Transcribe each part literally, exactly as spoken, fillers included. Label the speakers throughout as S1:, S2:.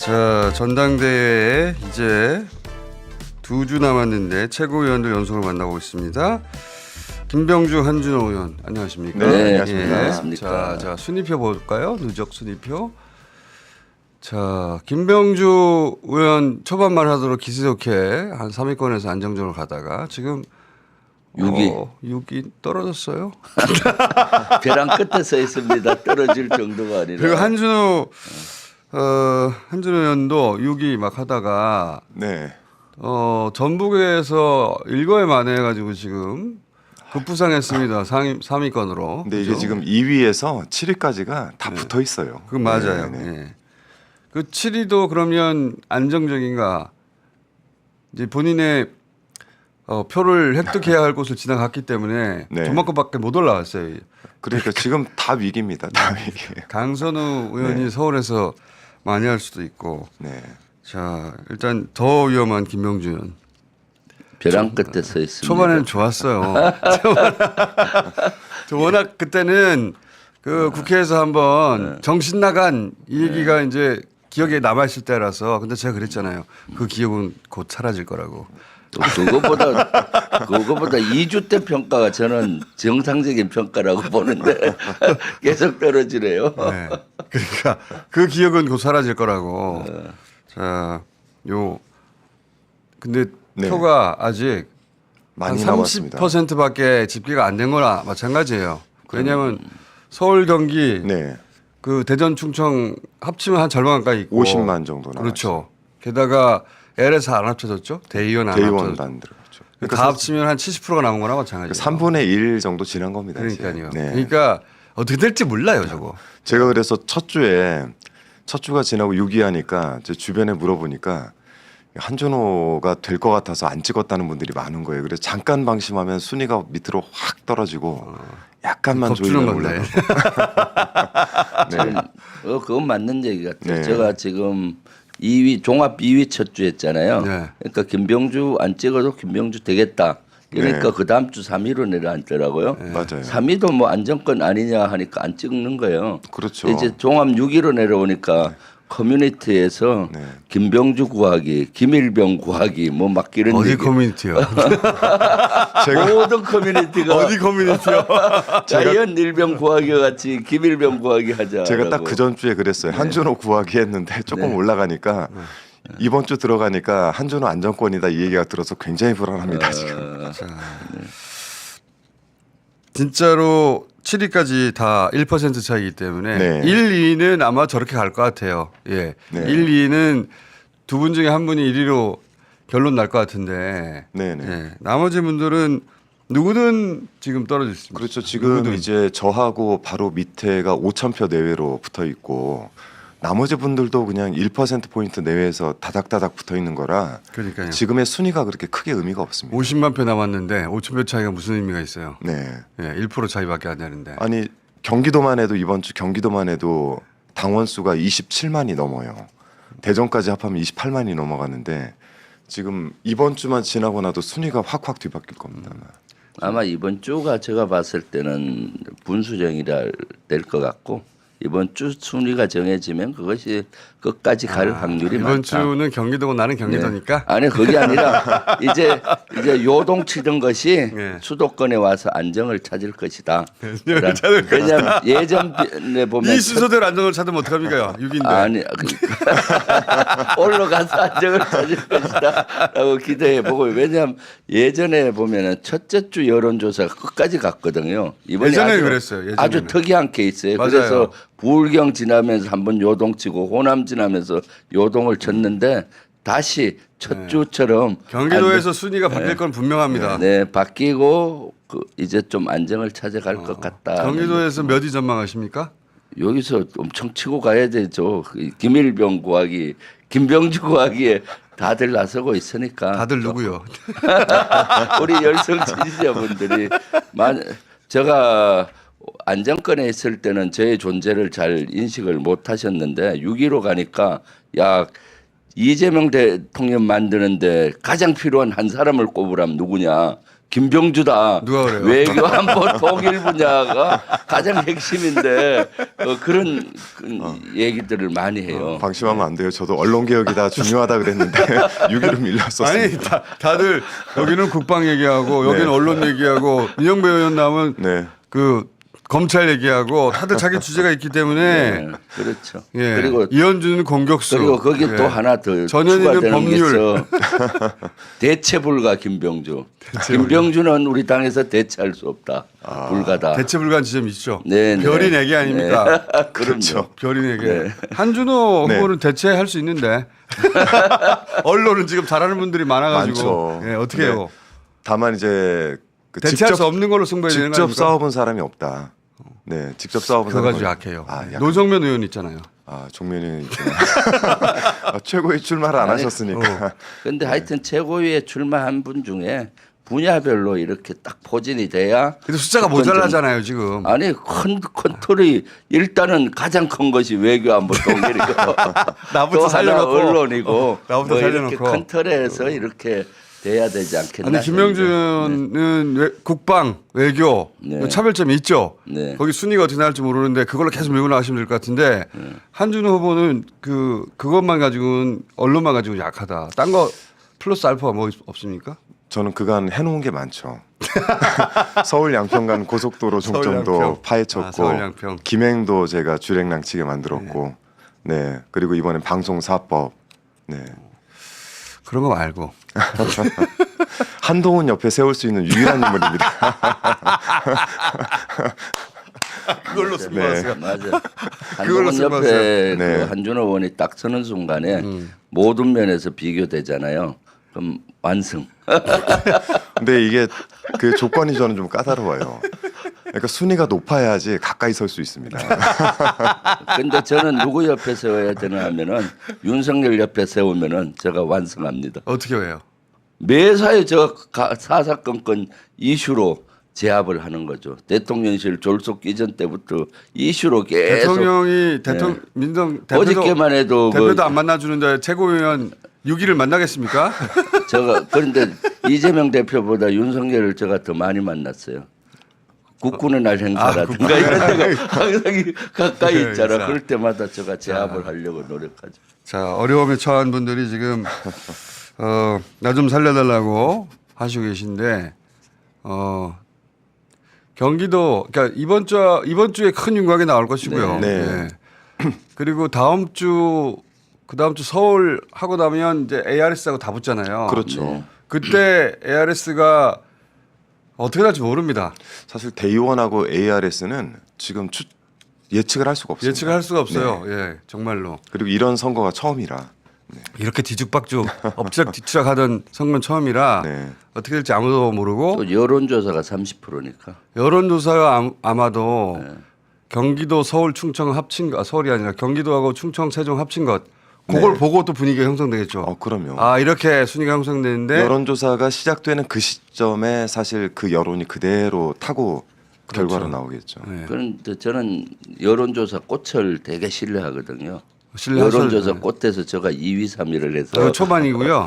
S1: 자, 전당대회에 이제 두 주 남았는데 최고위원들 연속으로 만나고 있습니다. 김병주, 한준호 의원 안녕하십니까?
S2: 네, 안녕하십니까.
S1: 예.
S2: 안녕하십니까.
S1: 자, 자 순위표 볼까요? 누적 순위표. 자, 김병주 의원 초반만 하도록 기세 좋게 한 삼 위권에서 안정적으로 가다가 지금
S2: 육 위.
S1: 어, 육 위 떨어졌어요.
S2: 벼랑 끝에 서 있습니다. 떨어질 정도가 아니라.
S1: 그리고 한준호 어, 한준호 의원도 육 위 막 하다가
S3: 네.
S1: 어, 전북에서 일거에 만회해가지고 지금 급부상했습니다. 상위 삼 위권으로.
S3: 근데 이게 지금 이 위에서 칠 위까지가 다 붙어 있어요.
S1: 그건 맞아요.
S3: 네, 네.
S1: 예. 그 칠 위도 그러면 안정적인가? 이제 본인의 어, 표를 획득해야 할 곳을 지나갔기 때문에
S3: 네.
S1: 저만큼밖에 못 올라왔어요.
S3: 그러니까 지금 다 위기입니다. 다 위기예요.
S1: 강선우 의원이
S3: 네.
S1: 서울에서 많이 할 수도 있고.
S3: 네.
S1: 자, 일단 더 위험한 김병주 의원.
S2: 벼랑 끝에 서 있습니다.
S1: 초반에는 좋았어요. 저 워낙 그때는 그 국회에서 한번 정신 나간 이 얘기가 이제 기억에 남아 있을 때라서. 근데 제가 그랬잖아요. 그 기억은 곧 사라질 거라고.
S2: 또 그거보다 그거보다 이 주 때 평가가 저는 정상적인 평가라고 보는데 계속 떨어지네요.
S1: 네. 그러니까 그 기억은 곧 사라질 거라고. 자, 요 근데
S3: 네.
S1: 표가 아직 한
S3: 많이
S1: 삼십
S3: 남았습니다.
S1: 퍼센트밖에 집계가 안 된 거나 마찬가지예요. 왜냐하면 서울, 경기,
S3: 네.
S1: 그 대전, 충청 합치면 한 절반 가까이 있고
S3: 오십만 정도 나왔죠.
S1: 그렇죠. 게다가 엘에서 안 합쳐졌죠. 대의원 안
S3: 대의원
S1: 합쳐졌죠.
S3: 안 들어갔죠.
S1: 다 합치면 한 칠십 퍼센트가 남은 거나 마찬가지예요.
S3: 삼분의 일 정도 지난 겁니다.
S1: 그러니까요.
S3: 이제. 네.
S1: 그러니까 어떻게 될지 몰라요, 저거.
S3: 제가 그래서 첫 주에 첫 주가 지나고 육 위 하니까 제 주변에 물어보니까 한준호가 될 것 같아서 안 찍었다는 분들이 많은 거예요. 그래서 잠깐 방심하면 순위가 밑으로 확 떨어지고 약간만
S1: 겁주는
S3: 조이면
S1: 건데.
S3: 올라가고. 네.
S2: 어, 그건 맞는 얘기 같아요.
S3: 네.
S2: 제가 지금 이 위 종합 이 위 첫 주 했잖아요.
S1: 네.
S2: 그러니까 김병주 안 찍어도 김병주 되겠다. 그러니까
S3: 네.
S2: 그 다음 주 삼 위로 내려앉더라고요.
S3: 맞아요.
S2: 삼 위도 뭐 안정권 아니냐 하니까 안 찍는 거예요.
S3: 그렇죠.
S2: 이제 종합 육 위로 내려오니까 커뮤니티에서
S3: 네.
S2: 김병주 구하기, 김일병 구하기 뭐 막 이런
S1: 어디
S2: 얘기.
S1: 커뮤니티요?
S3: 제가
S2: 모든 커뮤니티가
S1: 어디 커뮤니티요?
S2: 자연 일병 구하기 같이 김일병 구하기 하자.
S3: 제가 딱 그 전 주에 그랬어요. 한준호 구하기 했는데 조금
S2: 네.
S3: 올라가니까 이번 주 들어가니까 한준호 안정권이다 이 얘기가 들어서 굉장히 불안합니다
S2: 어,
S3: 지금.
S1: 진짜로 칠 위까지 다 일 퍼센트 차이기 때문에
S3: 네.
S1: 일, 이 위는 아마 저렇게 갈 것 같아요. 예.
S3: 네.
S1: 일, 이 위는 두 분 중에 한 분이 일 위로 결론 날 것 같은데.
S3: 네네.
S1: 예. 나머지 분들은 누구든 지금 떨어져 있습니다.
S3: 그렇죠. 지금
S1: 누구든.
S3: 이제 저하고 바로 밑에가 오천 표 내외로 붙어 있고 나머지 분들도 그냥 일 퍼센트 포인트 내외에서 다닥다닥 붙어 있는 거라
S1: 그러니까요.
S3: 지금의 순위가 그렇게 크게 의미가 없습니다.
S1: 오십만 표 남았는데 오천 표 차이가 무슨 의미가 있어요?
S3: 네.
S1: 예, 일 퍼센트 차이밖에 안 되는데.
S3: 아니 경기도만 해도 이번 주 경기도만 해도 당원 수가 이십칠만이 넘어요. 대전까지 합하면 이십팔만이 넘어가는데 지금 이번 주만 지나고 나도 순위가 확확 뒤바뀔 겁니다.
S2: 아마 이번 주가 제가 봤을 때는 분수령이라 될 것 같고 이번 주 순위가 정해지면 그것이 끝까지 갈 확률이
S1: 이번
S2: 많다.
S1: 주는 경기도고 나는 경기도니까.
S2: 네. 아니 그게 아니라 이제 이제 요동치던 것이
S1: 네.
S2: 수도권에 와서 안정을 찾을 것이다.
S1: 안정을 찾을
S2: 왜냐하면 예전에 보면
S1: 이 순서대로 안정을 찾으면 어떡합니까? 육 위인데.
S2: 아니 그러니까 올라가서 안정을 찾을 것이다라고 기대해 보고 왜냐하면 예전에 보면은 첫째 주 여론조사가 끝까지 갔거든요. 이번에
S1: 예전에
S2: 아주,
S1: 그랬어요. 예전에는.
S2: 아주 특이한 케이스예요.
S1: 맞아요.
S2: 그래서 부울경 지나면서 한번 요동치고 호남 지나면서 요동을 쳤는데 다시 첫 주처럼
S1: 경기도에서 순위가 바뀔 건 분명합니다.
S2: 네 바뀌고 그 이제 좀 안정을 찾아갈 것 같다.
S1: 경기도에서 몇 위 전망하십니까?
S2: 여기서 엄청 치고 가야 되죠. 김일병 구하기, 김병주 구하기에 다들 나서고 있으니까.
S1: 다들 누구요?
S2: 우리 열성 지지자분들이 만 제가 안정권에 있을 때는 저의 존재를 잘 인식을 못 하셨는데 육 위로 가니까 야 이재명 대통령 만드는데 가장 필요한 한 사람을 꼽으라면 누구냐? 김병주다.
S1: 누가 그래요?
S2: 외교 안보 통일 분야가 가장 핵심인데 어, 그런 그 얘기들을 많이 해요.
S3: 방심하면 안 돼요. 저도 언론 개혁이 다 중요하다 그랬는데 육 일은 밀렸었습니다.
S1: 아니 다, 다들 여기는 국방 얘기하고 여기는
S3: 네.
S1: 언론 얘기하고 민영배 의원 나오면
S3: 네.
S1: 그 검찰 얘기하고 다들 자기 주제가 있기 때문에
S2: 네, 그렇죠.
S1: 예.
S2: 그리고
S1: 이현주는 공격수
S2: 그리고 거기
S1: 예.
S2: 또 하나 더
S1: 전현희는
S2: 추가되는
S1: 법률.
S2: 게 있어. 대체불가 김병주. 김병주는 우리 당에서 대체할 수 없다. 불가다.
S1: 대체 불가한 지점이 있죠.
S2: 네, 네.
S1: 별이 네 개 아닙니까?
S2: 네.
S3: 그렇죠.
S1: 별이 네 개.
S2: 네.
S1: 한준호
S3: 네.
S1: 후보는 대체할 수 있는데 언론은 지금 잘하는 분들이 많아가지고
S3: 많죠.
S1: 예, 어떻게
S3: 네.
S1: 해요?
S3: 다만 이제 그
S1: 대체할 수 없는 걸로 승부해야 되는 거
S3: 직접
S1: 아닙니까?
S3: 싸워본 사람이 없다. 네, 직접 싸워본
S1: 그거
S3: 사람이
S1: 가지고 약해요.
S3: 아, 약간-
S1: 노정면 의원 있잖아요.
S3: 아, 종면이 있구나. 아, 최고의 출마를 안
S2: 아니,
S3: 하셨으니까.
S2: 근데 하여튼 최고위에 출마한 분 중에 분야별로 이렇게 딱 포진이 돼야
S1: 근데 숫자가
S2: 그건 좀-
S1: 모자라잖아요 지금.
S2: 아니 큰 컨트롤이 일단은 가장 큰 것이 외교안보 통일이고
S1: 나부터
S2: 또 하나
S1: 살려놓고.
S2: 언론이고
S1: 어, 나부터
S2: 뭐 이렇게
S1: 살려놓고.
S2: 큰 틀에서 이렇게 돼야 되지 않겠나.
S1: 아니 김명준 의원은 외- 국방 외교
S2: 네.
S1: 차별점이 있죠.
S2: 네.
S1: 거기 순위가 어떻게 나올지 모르는데 그걸로 계속 밀고 나가시면 될 것 같은데
S2: 네.
S1: 한준호 후보는 그 그것만 가지고는 언론만 가지고 약하다. 딴 거 플러스 알파가 뭐 있- 없습니까?
S3: 저는 그간 해놓은 게 많죠. 서울 양평 간 고속도로
S1: 서울
S3: 종점도
S1: 양평.
S3: 파헤쳤고,
S1: 아, 서울 양평.
S3: 김행도 제가 주행랑치게 만들었고, 네. 그리고 이번엔 방송사법, 네.
S1: 그런 거 말고
S3: 한동훈 옆에 세울 수 있는 유일한 인물입니다.
S1: 그걸로
S3: 승부하세요.
S2: 맞아.
S1: 그걸로
S2: 한동훈
S1: 승부하세요.
S2: 옆에
S3: 네.
S2: 그 한준호 의원이 딱 서는 순간에 모든 면에서 비교되잖아요. 그럼 완승.
S3: 근데 이게 그 조건이 저는 좀 까다로워요. 그러니까 순위가 높아야지 가까이 설 수 있습니다.
S2: 근데 저는 누구 옆에 세워야 되나 하면은 윤석열 옆에 세우면은 제가 완승합니다.
S1: 어떻게 해요?
S2: 매사에 저 가- 사사건건 이슈로 제압을 하는 거죠. 대통령실 졸속 이전 때부터 이슈로 계속
S1: 대통령이 대통령 민정 대표도
S2: 어저께만 해도
S1: 대표도
S2: 그-
S1: 안 만나주는데 최고위원 육 일을 만나겠습니까?
S2: 제가 그런데 이재명 대표보다 윤석열을 제가 더 많이 만났어요. 국군의 날 행사라든가 이런 데가 항상 가까이
S1: 네,
S2: 있잖아.
S1: 인사.
S2: 그럴 때마다 제가 제압을 하려고 노력하죠.
S1: 자 어려움에 처한 분들이 지금 어, 나 좀 살려달라고 하시고 계신데 어, 경기도 그러니까 이번 주 이번 주에 큰 윤곽이 나올 것이고요.
S3: 네.
S1: 네. 그리고 다음 주 그 다음 주 서울 하고 나면 이제 에이아르에스하고 다 붙잖아요.
S3: 그렇죠.
S2: 네.
S1: 그때 에이아르에스가 어떻게 될지 모릅니다.
S3: 사실 대의원하고 에이아르에스는 지금 추, 예측을 할 수가 없습니다.
S1: 예측을 할 수가 없어요.
S3: 네.
S1: 예, 정말로.
S3: 그리고 이런 선거가 처음이라.
S1: 이렇게 뒤죽박죽 엎치락 뒤치락 하던 선거는 처음이라
S3: 네.
S1: 어떻게 될지 아무도 모르고
S2: 또 여론조사가 삼십 퍼센트니까.
S1: 여론조사가 암- 아마도
S2: 네.
S1: 경기도 서울 충청 합친 거 아, 서울이 아니라 경기도하고 충청 세종 합친 것 그걸
S3: 네.
S1: 보고 또 분위기가 형성되겠죠.
S3: 어, 그럼요.
S1: 아 이렇게 순위가 형성되는데
S3: 여론조사가 시작되는 그 시점에 사실 그 여론이 그대로 타고 결과로 나오겠죠.
S1: 네.
S2: 그런데 저는 여론조사 꽃을 되게 신뢰하거든요.
S1: 신뢰하셔도
S2: 여론조사
S1: 돼요.
S2: 꽃에서 제가 이 위, 삼 위를 해서
S1: 저 초반이고요.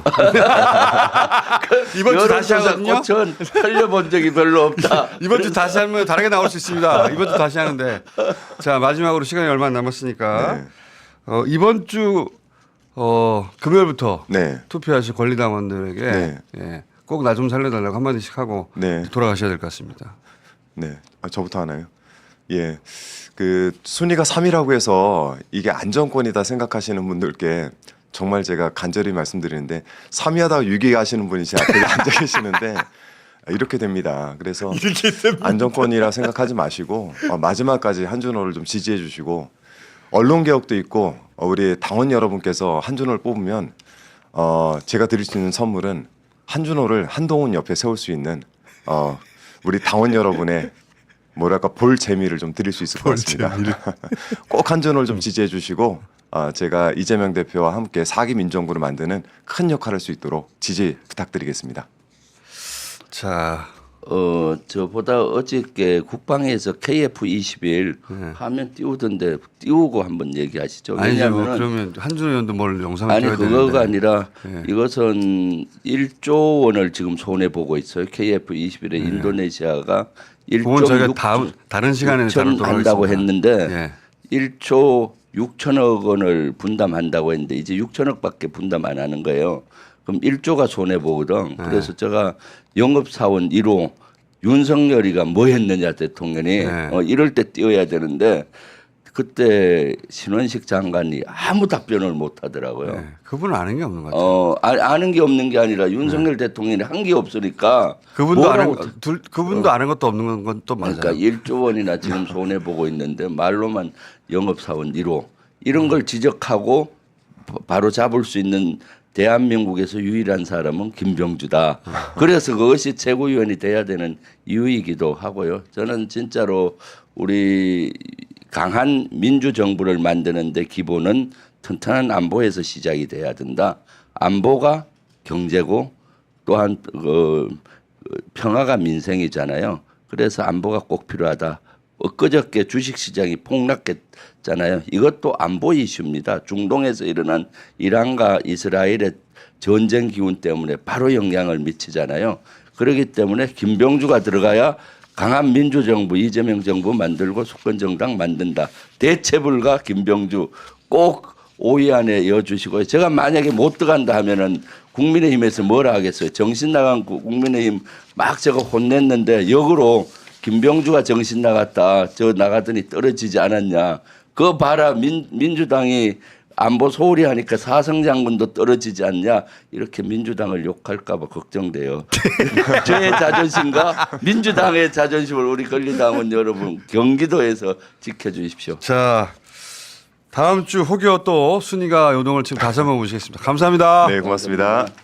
S1: 이번 주 다시
S2: 여론조사
S1: 하거든요.
S2: 꽃은 살려본 적이 별로 없다.
S1: 이번 주 다시 하면 다르게 나올 수 있습니다. 이번 주 다시 하는데 자 마지막으로 시간이 얼마 안 남았으니까
S3: 네.
S1: 어, 이번 주 어, 금요일부터
S3: 네.
S1: 투표하실 권리당원들에게
S3: 네.
S1: 예, 꼭 나 좀 살려달라고 한마디씩 하고
S3: 네.
S1: 돌아가셔야 될 것 같습니다.
S3: 네. 아, 저부터 하나요? 예. 그 순위가 삼 위라고 해서 이게 안정권이다 생각하시는 분들께 정말 제가 간절히 말씀드리는데 삼 위 하다가 육 위 하시는 분이 제 앞에 앉아 계시는데 이렇게 됩니다. 그래서 안정권이라 생각하지 마시고 어, 마지막까지 한준호를 좀 지지해 주시고 언론 개혁도 있고 어, 우리 당원 여러분께서 한준호를 뽑으면 어, 제가 드릴 수 있는 선물은 한준호를 한동훈 옆에 세울 수 있는 어, 우리 당원 여러분의 뭐랄까 볼 재미를 좀 드릴 수 있을 것 같습니다. 꼭 한준호를 좀 지지해 주시고 어, 제가 이재명 대표와 함께 사 기 민정부를 만드는 큰 역할을 할 수 있도록 지지 부탁드리겠습니다.
S1: 자
S2: 어 저보다 어저께 국방에서 케이에프 이십일
S1: 네.
S2: 화면 띄우던데 띄우고 한번 얘기하시죠.
S1: 아니죠.
S2: 왜냐하면
S1: 그러면 한준호 의원도 뭘 영상을
S2: 아니
S1: 찍어야
S2: 그거가
S1: 되는데.
S2: 아니라
S1: 네.
S2: 이것은 일조 원을 지금 손해 보고 있어요. 케이에프 이십일에
S1: 네.
S2: 인도네시아가
S1: 그건 저희가
S2: 일조
S1: 다음 다른 시간에
S2: 육천
S1: 다루도록
S2: 한다고
S1: 하겠습니다.
S2: 했는데
S1: 예.
S2: 일조 육천억 원을 분담한다고 했는데 이제 육천억밖에 분담 안 하는 거예요. 그럼 일조가 손해 보거든. 그래서 제가 영업사원 일 호 윤석열이가 뭐 했느냐 대통령이
S1: 네.
S2: 어, 이럴 때 띄워야 되는데 그때 신원식 장관이 아무 답변을 못 하더라고요.
S1: 네. 그분은 아는 게 없는 것 같아요.
S2: 어 아, 아는 게 없는 게 아니라 윤석열 대통령이 한 게 없으니까
S1: 그분도 아는
S2: 뭐라고
S1: 것- 둘 그분도 아는 것도 없는 건 또 맞아요.
S2: 그러니까 일조 원이나 지금 손해 보고 있는데 말로만 영업사원 일 호 이런 걸 지적하고 바- 바로 잡을 수 있는 대한민국에서 유일한 사람은 김병주다. 그래서 그것이 최고위원이 돼야 되는 이유이기도 하고요. 저는 진짜로 우리 강한 민주정부를 만드는데 기본은 튼튼한 안보에서 시작이 돼야 된다. 안보가 경제고 또한 그 평화가 민생이잖아요. 그래서 안보가 꼭 필요하다. 엊그저께 주식시장이 폭락했잖아요. 이것도 안보 이슈입니다. 중동에서 일어난 이란과 이스라엘의 전쟁 기운 때문에 바로 영향을 미치잖아요. 그렇기 때문에 김병주가 들어가야 강한 민주정부 이재명 정부 만들고 수권정당 만든다. 대체불가 김병주 꼭 오 위 안에 이어주시고요. 제가 만약에 못 들어간다 하면은 국민의힘에서 뭐라 하겠어요. 정신 나간 국- 국민의힘 막 제가 혼냈는데 역으로 김병주가 정신 나갔다. 저 나가더니 떨어지지 않았냐. 그거 봐라. 민, 민주당이 안보 소홀히 하니까 사성 장군도 떨어지지 않냐. 이렇게 민주당을 욕할까 봐 걱정돼요. 저의 자존심과 민주당의 자존심을 우리 권리당원 여러분 경기도에서 지켜주십시오.
S1: 자, 다음 주 혹여 또 순위가 요동을 지금 다시 한번 모시겠습니다. 감사합니다.
S3: 네, 고맙습니다.